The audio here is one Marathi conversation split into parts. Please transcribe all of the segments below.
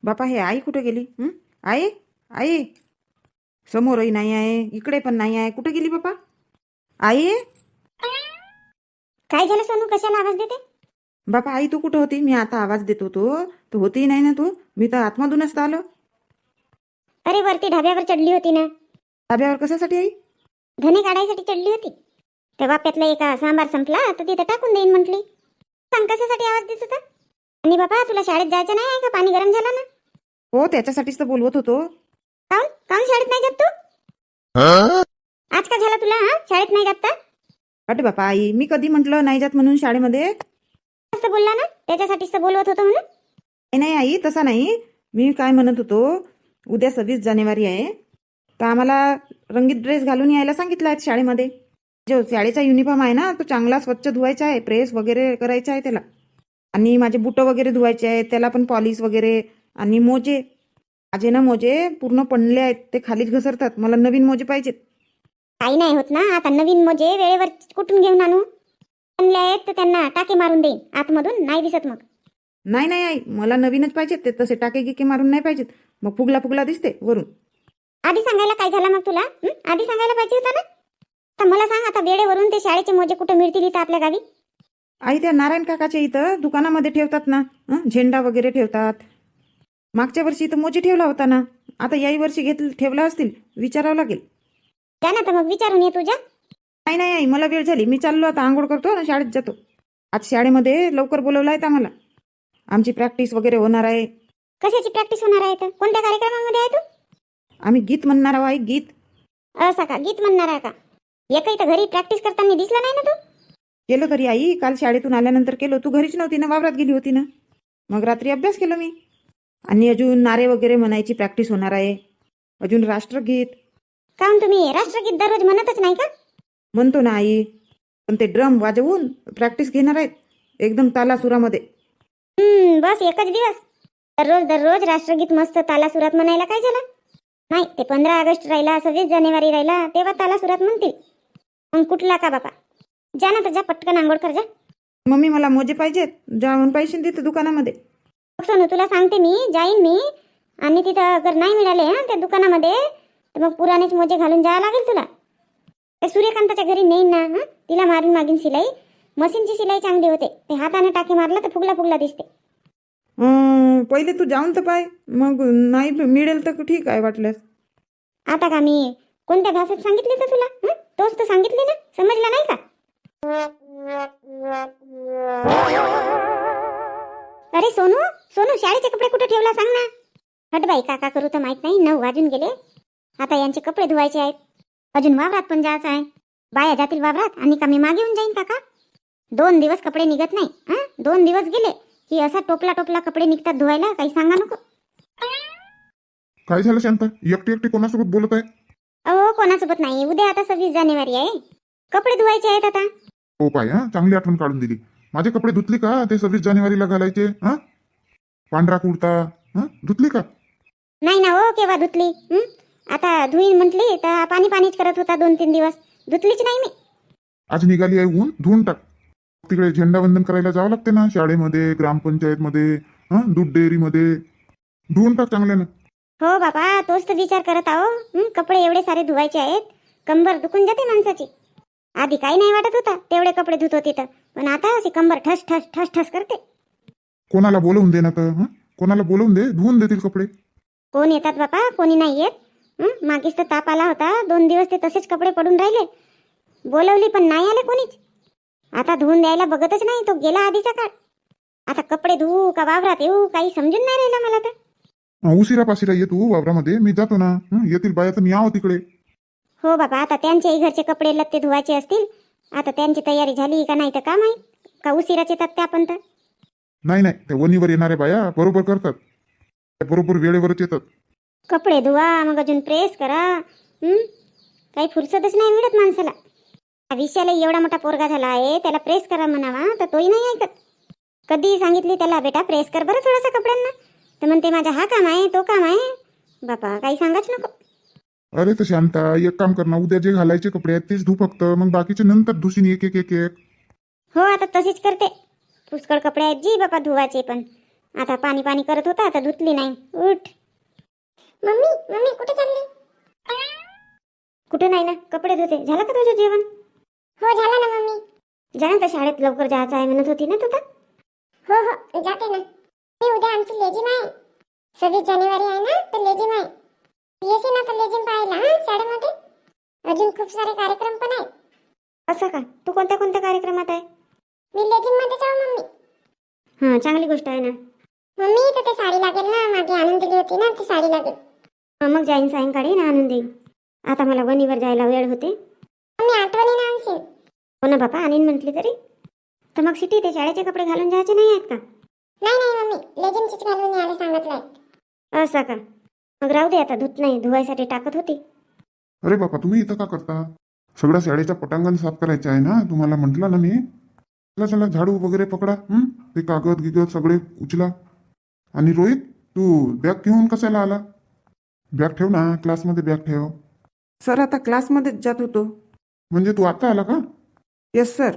बापा हे आई कुठे गेली? आई, आई, समोरही नाही आहे, इकडे पण नाही आहे, कुठे गेली बापा? आई, काय झालं सोनू, कशाला आवाज देते? बापा आई तू कुठं होती? मी आता आवाज देत होतो, तू होती नाही ना? तू, मी तर आतमधूनच तर आलो. अरे वरती ढाब्यावर चढली होती ना. धाब्यावर कशासाठी आई? धने काढायसाठी चढली होती. त्या वाप्यातला एका सांबार संपला तर तिथं टाकून देईन म्हटली. सांग कशासाठी आवाज देत होता? आणि बाबा तुला शाळेत जायचं नाही आहे का? पाणी गरम झालं ना. हो त्याच्यासाठीच तर बोलवत होतो. काऊन काऊन शाळेत नाही जात तू? आज का झाला तुला? शाळेत नाही जात तर? अरे बापा आई, मी कधी म्हटलं नाही जात म्हणून शाळेमध्ये? असं बोलला ना, त्याच्यासाठीच तर बोलवत होतो म्हणून. नाही नाही आई, तसा नाही. मी काय म्हणत होतो, उद्या 26 जानेवारी आहे, तर आम्हाला रंगीत ड्रेस घालून यायला सांगितलं आहे शाळेमध्ये. जो शाळेचा युनिफॉर्म आहे ना, तो चांगला स्वच्छ धुवायचा आहे, प्रेस वगैरे करायचा आहे त्याला. आणि माझे बुटं वगैरे धुवायचे आहेत, त्याला पण पॉलिश वगैरे. आणि मोजे, माझे ना मोजे पूर्ण पडले आहेत, ते खालीच घसरतात. मला नवीन मोजे पाहिजेत. काही नाही होत ना, आता नवीन मोजे वेळेवर कुठून घेऊन आणू? आणले आहेत तर त्यांना टाके मारून देईन आतमधून, नाही दिसत मग. नाही नाही आई, मला नवीनच पाहिजेत. ते तसे टाके गिके मारून नाही पाहिजेत, मग फुगला फुगला दिसते वरून. आधी सांगायला काय झालं मग तुला? आधी सांगायला पाहिजे होता ना. तर मला सांग आता, वेळेवरून ते शाळेचे मोजे कुठे मिळतील इथं आपल्या गावी? आई त्या नारायण काकाच्या इथं दुकानामध्ये ठेवतात ना, झेंडा वगैरे ठेवतात. मागच्या वर्षी इथं मोजे ठेवला होता ना, आता याही वर्षी ठेवला असतील, विचारावं लागेल. जा ना तर मग विचारून ये तुझ्या. नाही नाही आई, मला वेळ झाली, मी चाललो आता, आंघोळ करतो ना शाळेत जातो. आज शाळेमध्ये लवकर बोलवलं आहे आम्हाला, आमची प्रॅक्टिस वगैरे होणार आहे. कशाची प्रॅक्टिस होणार आहे तर? कोणत्या कार्यक्रमामध्ये आहे तू? आम्ही गीत म्हणणार आहोत आई, गीत. असा का, गीत म्हणणार आहे का? एकही तर घरी प्रॅक्टिस करताना दिसला नाही ना तू. केलं तरी आई, काल शाळेतून आल्यानंतर केलो. तू घरीच नव्हती ना, वावरात गेली होती ना. मग रात्री अभ्यास केला मी. आणि अजून नारे वगैरे म्हणायची प्रॅक्टिस होणार आहे, अजून राष्ट्रगीत. काहून तुम्ही राष्ट्रगीत दररोज म्हणतच नाही का? म्हणतो ना आई, पण ते ड्रम वाजवून प्रॅक्टिस घेणार आहेत एकदम तालासुरामध्ये. बस एकच दिवस? दररोज दररोज राष्ट्रगीत मस्त तालासुरात म्हणायला काय झालं? नाही, ते 15 ऑगस्ट राहिला, 26 जानेवारी राहिला, तेव्हा तालासुरात म्हणतील. मग कुठला का बापा? जा ना तर जा, पटकन आंघोळ कर जा. मम्मी मला मोजे पाहिजेत, जाऊन पैसे देते दुकानामध्ये. सोनू तुला सांगते मी, जाईन मी. आणि तिथं अगर नाही मिळाले त्या दुकानामध्ये, तर मग पुराणेच मोजे घालून जावं लागेल तुला. ते सूर्यकांताच्या घरी नेईन ना, तिला मारून मागीन सिलाई. मशीनची सिलाई चांगली होते, ते हाताने टाके मारला तर फुगला फुगला दिसते. पहिले तू जाऊन तर पाय, मग नाही मिळेल तर ठीक आहे वाटल्यास. आता का मी कोणत्या भाषेत सांगितले तर तुला? तोच तर सांगितले ना, समजला नाही का? अरे सोनू, सोनू शाळेचे कपडे कुठे ठेवला सांग ना. हट बाई, काका करू तर माहित नाही, 9 वाजून गेले. आता यांचे कपडे धुवायचे आहेत, अजून वावरात पण जायचं आहे. बाया जातील वावरात आणि का मी मागे येऊन जाईन काका? 2 दिवस कपडे निघत नाही. 2 दिवस गेले की असा टोपला टोपला कपडे निघतात धुवायला, काही सांगा नको. काय झालं शांता, एकटी एकटी कोणासोबत बोलत आहे? अहो कोणासोबत नाही, उद्या आता 26 जानेवारी आहे, कपडे धुवायचे आहेत आता. हो पाय, चांगली आठवण काढून दिली. माझे कपडे धुतले का ते 26 जानेवारीला घालायचे? पांढरा कुर्ता धुतली का? नाही ना हो, केव्हा धुतली? आता धुईन म्हटली तर पाणी पाणीच करत होता 2-3 दिवस, धुतलीच नाही मी. आज निघाली आहे ऊन, धुवून टाक. तिकडे झेंडावंदन करायला जावं लागते ना, शाळेमध्ये, ग्रामपंचायतमध्ये, दूध डेअरीमध्ये. धुवून टाक चांगल्यानं. हो बाबा, तोच तर विचार करत आहो. कपडे एवढे सारे धुवायचे आहेत, कंबर दुखून जाते माणसाची. आधी काही नाही वाटत होता, तेवढे कपडे धुत होती तर, पण आता अशी कंबर ठस ठस ठस ठस करते. कोणाला बोलवून दे ना तर, कोणाला बोलवून दे, धुवून देतील कपडे. कोण येतात बापा, कोणी नाही येत. मागेच तर ताप आला होता, 2 दिवस ते तसेच कपडे पडून राहिले. बोलवली पण नाही आले कोणीच. आता धुवून द्यायला बघतच नाही, तो गेला आधीचा काळ. आता कपडे धुवू का वावरात येऊ, काही समजून नाही राहिलं मला तर. उशिरा पाशिरा ये तू वावरामध्ये, मी जातो ना. येतील बाया तर मी आहो तिकडे. हो बाबा, आता त्यांच्याही घरचे कपडे लत्ते धुवायचे असतील. आता त्यांची तयारी झाली का नाही तर का माहीत, का उशिराच येतात त्या पण तर. नाही नाही, त्या वणीवर येणाऱ्या बाया बरोबर करतात, त्या बरोबर वेळेवरच येतात. कपडे धुवा, मग अजून प्रेस करा. काही फुरसतच नाही मिळत माणसाला. विषयाला एवढा मोठा पोरगा झाला आहे, त्याला प्रेस करा म्हणावा तर तोही नाही ऐकत. कधी सांगितली त्याला, बेटा प्रेस कर बरं थोडासा कपड्यांना, तर म्हणते माझा हा काम आहे, तो काम आहे. बापा काही सांगाच नको. अरे तर शांता, एक काम कर ना, उद्या जे घालायचे कपडे आहेत तेच धु फक्त, मग बाकीचे नंतर धुशीन एक एक एक एक. हो आता तशीच करते. पुष्कळ कपडे आहेत जी बापा धुवायचे, पण आता पाणी पाणी करत होता, आता धुतली नाही. उठ. मम्मी मम्मी कुठे चालली? कुठे नाही ना, कपडे धुते. झालं का तुझं जेवण? हो झालं ना मम्मी. जा ना, तर शाळेत लवकर जायचं आहे म्हणत होती ना तू तर. हो हो जाते ना. मी उद्या आमची लेझिम आहे. 26 जानेवारी आहे ना, तर लेझिम आहे. येशील ना तर लेझिम पाहायला शाळेमध्ये. अजून खूप सारे कार्यक्रम पण आहेत. असं का? तू कोणत्या कोणत्या कार्यक्रमात आहे? मी लेझिम मध्ये जाऊ मम्मी. हां, चांगली गोष्ट आहे ना. मम्मी तर ते साडी लागेल ना, मागे आणून दिली होती ना, ती साडी लागेल. मग जाईन सायंकाळी ना, आणून देईन. आता मला वणीवर जायला वेळ होते. मम्मी आठवणीने आणशील? हो ना बापा, आणीन म्हटली तरी. तर मग सिटी ते शाळेचे कपडे घालून जायचे नाही आहेत का? नाही नाही मम्मी, लेझिमचीच घालून यायला सांगितलंय. असं का? मग राहू दे, आता धुत नाही, धुवायसाठी टाकत होती. अरे बापा, तुम्ही इथं का करता? सगळ्या शाळेच्या पटांगण साफ करायचे आहे ना, तुम्हाला म्हटलं ना मी. चला चला, झाडू वगैरे पकडा. ते कागद गिगद सगळे उचला. आणि रोहित, तू बॅग घेऊन कशाला आला? बॅग ठेव ना, क्लासमध्ये बॅग ठेव. सर आता क्लासमध्येच जात होतो. म्हणजे तू आता आला का? Yes sir.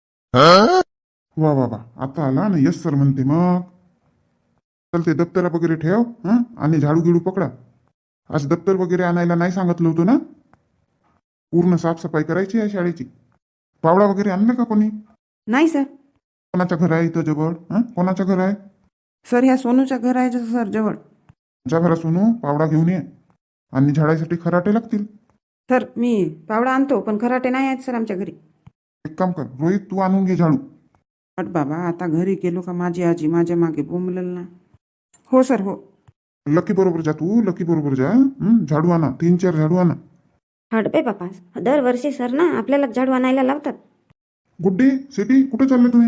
वा वा वा, आता आला ना, यस सर म्हणते मग. चल ते दप्तर वगैरे ठेव. आणि झाडू गिडू पकडा. आज दप्तर वगैरे आणायला नाही सांगितलं होतं ना? पूर्ण साफसफाई करायची आहे शाळेची. पावडा वगैरे आणलं का कोणी? नाही सर. कोणाचं घर आहे इथं जवळ? कोणाचं घर आहे? सर ह्या सोनूच्या घर आहे सर जवळ. तुझ्या घरा सोनू, पावडा घेऊन ये. आणि झाडासाठी खराटे लागतील. सर मी पावडा आणतो, पण खराटे नाही आहेत सर आमच्या घरी. एक काम कर रोहित, तू आणून घे झाडू. हट बाबा, आता घरी गेलो का माझी आजी माझ्या मागे बोंबलेल ना. हो सर हो. लकी बरोबर जा तू, लकी बरोबर जा. झाडू आणा, 3-4 झाडू आणा. हट बे बापा, दरवर्षी सर ना आपल्याला झाडू आणायला लावतात. गुड्डी, सिटी, कुठे चालले तुम्ही?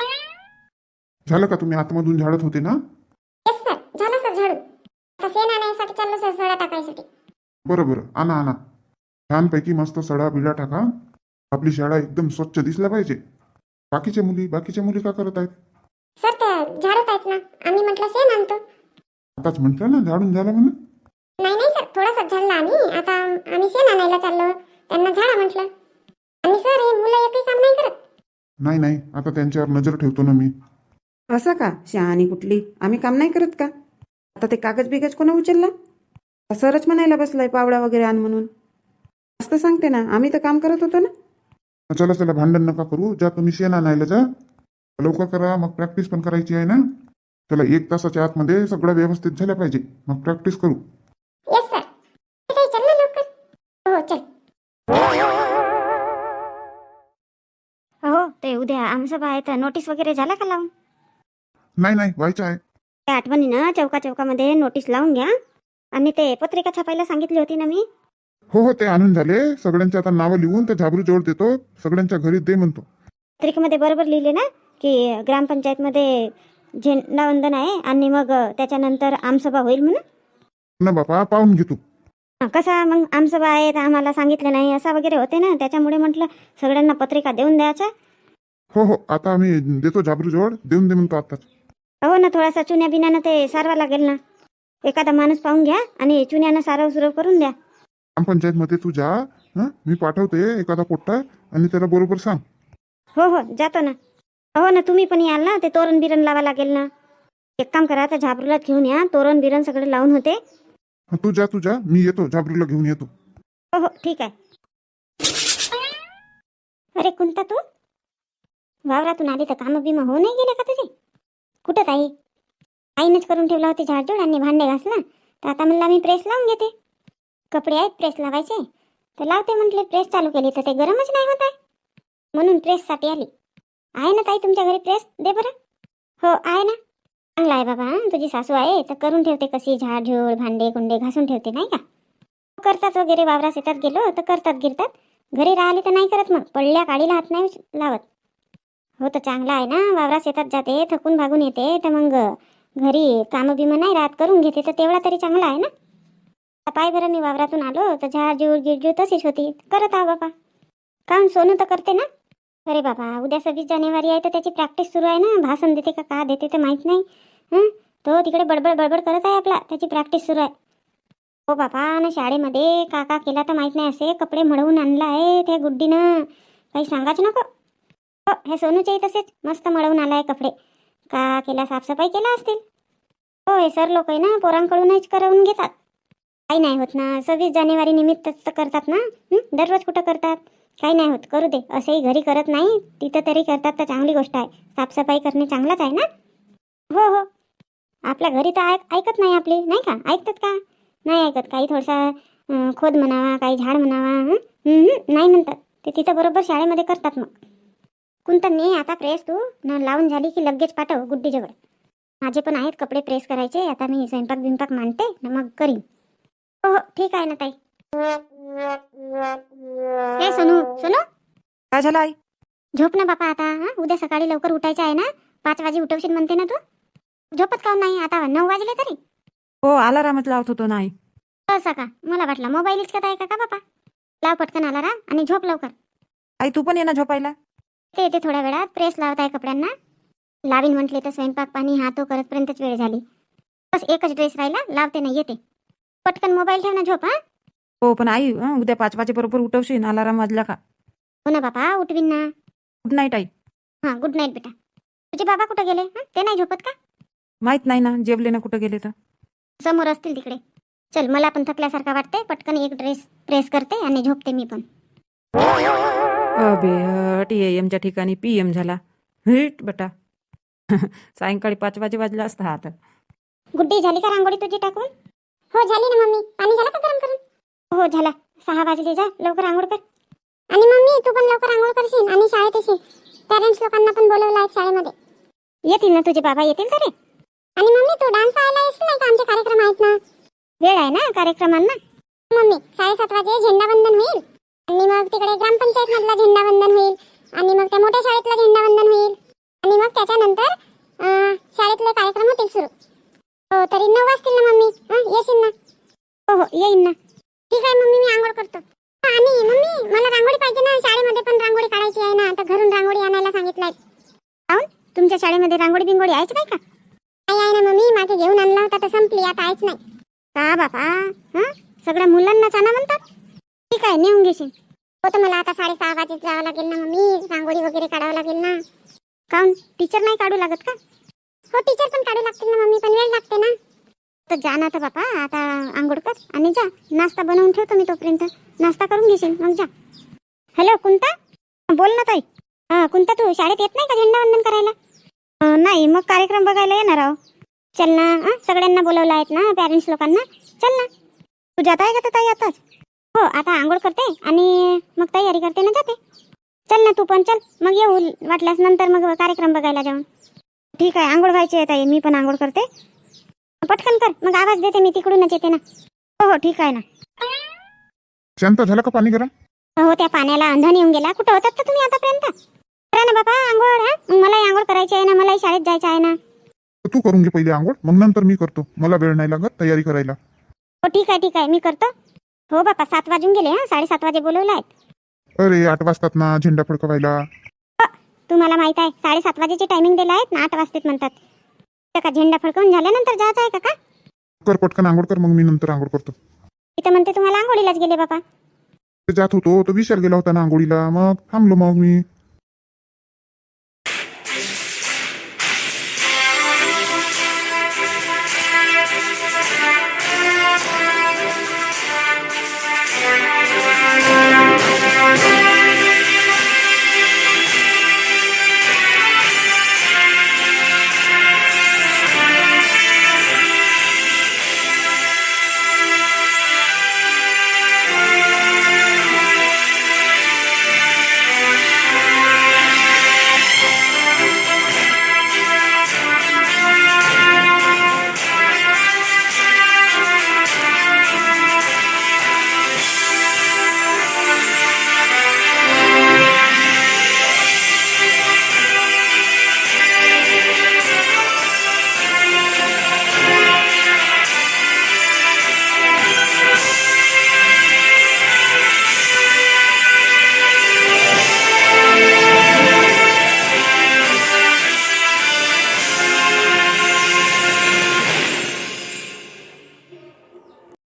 झालं का? तुम्ही आतमधून झाडत होते ना? येस सर, झालं सर झाडू. आता शेण आणायसाठी चाललो सर, सडा टाकायसाठी. बरं बरं, आणा आणा. छानपैकी मस्त सडा बिडा टाका. आपली शाळा एकदम स्वच्छ दिसल्या पाहिजे. बाकीच्या मुली का करत आहेत? सर त्या झाडत आहेत ना, आम्ही म्हटलं शेण आणतो. आताच म्हटलं ना झाडून झालं म्हणून. नाही नाही सर, थोडासा झाडला आम्ही. आता आम्ही शेण आणायला चाललो, त्यांना झाडा म्हटलं. आणि सर हे मुलं एकही काम नाही करत. नाही नाही, आता त्यांच्यावर नजर ठेवतो ना मी. असं का? शहाणी कुठली, आम्ही काम नाही करत का? आता ते कागद बिगज कोणा उचलला? सरच म्हणायला बसलाय पावडा वगैरे आण म्हणून. मस्त सांगते ना, आम्ही तर काम करत होतो ना. चला चला, भांडण नका करू. जा तुम्ही शेण आणायला जा. लवकर करा, मग प्रॅक्टिस पण करायची आहे ना. चला, 1 तासाच्या आतमध्ये सगळं व्यवस्थित झालं पाहिजे, मग प्रॅक्टिस करू. Yes sir. काही चल ना लवकर. हो चल. हो, ते उद्या आमसभा आहे तर नोटीस वगैरे झाला का लावून? नाही नाही, व्हायचं आहे. त्या आठवणीनं चौकामध्ये नोटीस लावून घ्या. आणि ते पत्रिका छापायला सांगितली होती ना मी. हो हो, ते आणून झाले. सगळ्यांची आता नावं लिहून त्या झाबरू जवळ देतो. सगळ्यांच्या घरी दे म्हणतो. पत्रिकेमध्ये बरोबर लिहिले ना की ग्रामपंचायतमध्ये झेंडावंदन आहे आणि मग त्याच्यानंतर आमसभा होईल म्हणून. ना बापा, पाहून घे तू. कसा मग आमसभा आहे तर आम्हाला सांगितलं नाही असा वगैरे होते ना, त्याच्यामुळे म्हटलं सगळ्यांना पत्रिका देऊन द्यायच्या. हो हो, आता आम्ही देतो झाबरू जवळ, देऊन दे म्हणतो आताच. हो ना, थोडासा चुन्या बिन्यानं ते सारवा लागेल ना. एखादा माणूस पाहून घ्या आणि चुन्यानं सारव सुरव करून द्या. ग्रामपंचायतमध्ये तू जा. मी पाठवते एखादा पोट्टा आणि त्याला बरोबर सांग. हो हो जातो ना. हो ना, तुम्ही पण याल ना, ते तोरण बिरण लावा लागेल ना. एक काम करा, त्या झाबरूला घेऊन या, तोरण बिरण सगळे लावून होते. तू जा, मी येतो, झाबरूला घेऊन येतो. हो हो ठीक आहे. अरे कुंता, तू वावरातून आली तर काम बिमा होऊ नाही गेले का तुझे? कुठं ताई? आईनंच करून ठेवला होती झाडझूड आणि भांडे घासला, तर आता म्हणलं मी प्रेस लावून घेते. कपडे आहेत प्रेस लावायचे तर लावते म्हटले. प्रेस चालू केली तर ते गरमच नाही होत आहे, म्हणून प्रेससाठी आली. आहे ना ताई तुमच्या घरी प्रेस? दे बरं. हो आहे ना. चांगला आहे बाबा, तुझी सासू आहे तर करून ठेवते, कशी झाडझूड भांडे कुंडे घासून ठेवते नाही का. करतात वगैरे, वावरात शेतात गेलो तर करतात गिरतात. घरी राहिले तर नाही करत, मग पडल्या काडीला हात नाही लावत. हो तर चांगला आहे ना, वावरात शेतात जाते, थकून भागून येते, तर मग घरी कामं बिमं नाही राहत, करून घेते, तर तेवढा तरी चांगला आहे ना. पाय बरं, मी वावरातून आलो तर झाडझूड गिरजूड तशीच होती, करत आहो बाबा. काम सोनू तर करते ना. अरे बाबा, उद्या 26 जानेवारी आहे तर त्याची प्रॅक्टिस सुरू आहे ना. भाषण देते का देते ते माहीत नाही. तो तिकडे बडबड करत आहे आपला, त्याची प्रॅक्टिस सुरू आहे. हो बाबा, ना शाळेमध्ये का केला तर माहीत नाही, असे कपडे मळवून आणला आहे त्या गुड्डीनं, काही सांगाच नको. हो, हे सोनूच्याही तसेच मस्त मळवून आला आहे कपडे. का केला, साफसफाई केला असतील. हो, हे सर लोक आहे ना पोरांकडूनच करवून घेतात. काही नाही होत ना, 26 जानेवारी निमित्त तर करतात ना. दररोज कुठं करतात. काही नाही होत, करू दे. असंही घरी करत नाही, तिथं तरी करतात तर चांगली गोष्ट आहे. साफसफाई करणे चांगलंच आहे ना. हो हो, आपल्या घरी तर ऐकत नाही आपली, नाही का? ऐकतात का? नाही ऐकत. काही थोडासा खोद म्हणावा, काही झाड म्हणावा, नाही म्हणतात ते. तिथं बरोबर शाळेमध्ये करतात. मग कोणतं नाही आता प्रेस तू न लावून झाली की लगेच पाठव गुड्डीजवळ. माझे पण आहेत कपडे प्रेस करायचे. आता मी स्वयंपाक बिंपाक मांडते ना, मग करीन. हो हो, ठीक आहे ना ताई. हे सोनू सोनू, काय झालं आई? झोप ना बापा आता. उद्या सकाळी लवकर उठायचं आहे ना. 5 वाजे उठवशील म्हणते ना तू. झोपत काऊन नाही? आता 9 वाजले तरी. हो, अलारामच लावत होतो ना आई. असं का? मला वाटलं मोबाईल इतकत आहे का बापा. लाव पटकन अलाराम आणि झोप लवकर. आई तू पण ये ना झोपायला. ते येते थोड्या वेळात. प्रेस लावत आहे कपड्यांना. लावीन म्हटले तर स्वयंपाक पाणी हा तो करतपर्यंतच वेळ झाली. बस एकच ड्रेस राहिला, लावते ना येते. पटकन मोबाईल ठेव ना, झोप. हो पण आई उद्या 5 वाजेबरोबर उठवशील अलाराम वाजला का? हो ना बापा, उठवीन ना. गुड नाईट आई. हां, गुड नाईट बेटा. तुझे बाबा कुठं गेले? ते नाही झोपत का? माहित नाही ना, जेवले ना कुठं गेले तर. समोर असतील तिकडे. चल, मला पण थकल्यासारखा वाटते. पटकन एक ड्रेस प्रेस करते आणि झोपते मी पण. अबे TAMच्या ठिकाणी PM झाला. हिट बेटा. सायंकाळी 5 वाजे वाजला असता आता. गुड्डी, झाली का रांगोळी तुझी टाकून? हो झाली ना मम्मी. पाणी झालं का गरम करून? हो झाला. 6 वाजले, जा लवकर आंघोळ कर. आणि मम्मी तू पण लवकर आंघोळ करशील आणि शाळेत येशील. पॅरेंट्स लोकांना पण बोलवलं आहे शाळेमध्ये. येतील ना तुझे बाबा, येतील का रे? आणि मम्मी तू डान्स पाहायला येशील नाही का? आमचे कार्यक्रम आहेत ना. वेळ आहे ना कार्यक्रमांना. मम्मी 7:30 वाजे झेंडावंदन होईल आणि मग तिकडे ग्रामपंचायत मधला झेंडावंदन होईल आणि मग त्या मोठ्या शाळेतला झेंडावंदन होईल आणि मग त्याच्यानंतर शाळेतले कार्यक्रम होतील सुरू. हो, तरी 9 वाजतील ना मम्मी. येशील ना? हो हो, येईन ना. ठीक आहे मम्मी, मी आंघोळ करतो. आणि मम्मी मला रांगोळी पाहिजे ना. शाळेमध्ये पण रांगोळी काढायची आहे ना. आता घरून रांगोळी आणायला सांगितलंय. काऊन? तुमच्या शाळेमध्ये रांगोळी बिंगोळी आहेच नाही का? नाही आहे ना मम्मी, मागे घेऊन आणला होता तर संपली, आता आहेच नाही. का बापा, सगळ्या मुलांनाच आणा म्हणतात. ठीक आहे, नेऊन घेशील. हो तर मला आता 6:30 वाजेत जावं लागेल ना मम्मी. रांगोळी वगैरे काढावं लागेल ना. काऊन? टीचर नाही काढू लागत का? हो, टीचर पण काढू लागतील ना मम्मी, पण वेळ लागते ना. तर जा ना तर बापा, आता आंघोळ कर आणि जा. नाश्ता बनवून ठेवतो मी तोपर्यंत. नाश्ता करून घेशील मग जा. हॅलो कुंता, बोल ना ताई. कुंता, तू शाळेत येत नाही का झेंडावंदन करायला? नाही, मग कार्यक्रम बघायला येणार आहो. चल ना, सगळ्यांना बोलवलं आहेत ना, पॅरेंट्स लोकांना. चल ना. तू जात आहे का ताई आताच? हो, आता आंघोळ करते आणि मग तयारी करते ना, जाते. चल ना तू पण, चल मग येऊ वाटल्यास नंतर मग कार्यक्रम बघायला जाऊन. ठीक आहे, आंघोळ व्हायची आहे ताई, मी पण आंघोळ करते. पटकन कर, मग आवाज देते मी, तिकडूनच येते ना. हो हो, ठीक आहे ना. शांत झालं का पाणी गरम? हो, त्या पाण्याला अंधन येऊन गेला. कुठं होतात तर तुम्ही आतापर्यंत? करा ना बाबा आंघोळ. मग मलाही आंघोळ करायची आहे ना, मलाही शाळेत जायचं आहे ना. तू करून घे पहिले आंघोळ, मग नंतर मी करतो. मला वेळ नाही लागत तयारी करायला. हो ठीक आहे, मी करतो. हो बापा, 7 वाजून गेले. 7:30 वाजे बोलवलं आहेत. अरे 8 वाजतात ना झेंडा फडकवायला. तुम्हाला माहित आहे 7:30 वाजेची टायमिंग दिला आहेत ना, 8 वाजतेत म्हणतात. तर का झेंडा फडकवून झाल्यानंतर जायचं आहे का? कर पटकन आंघोळ कर, मग मी नंतर आंघोळ करतो. इथं म्हणते तुम्हाला आंघोळीलाच गेले बापा. जात होतो तो विशाल गेला होता ना आंघोळीला, मग थांबलो मग मी.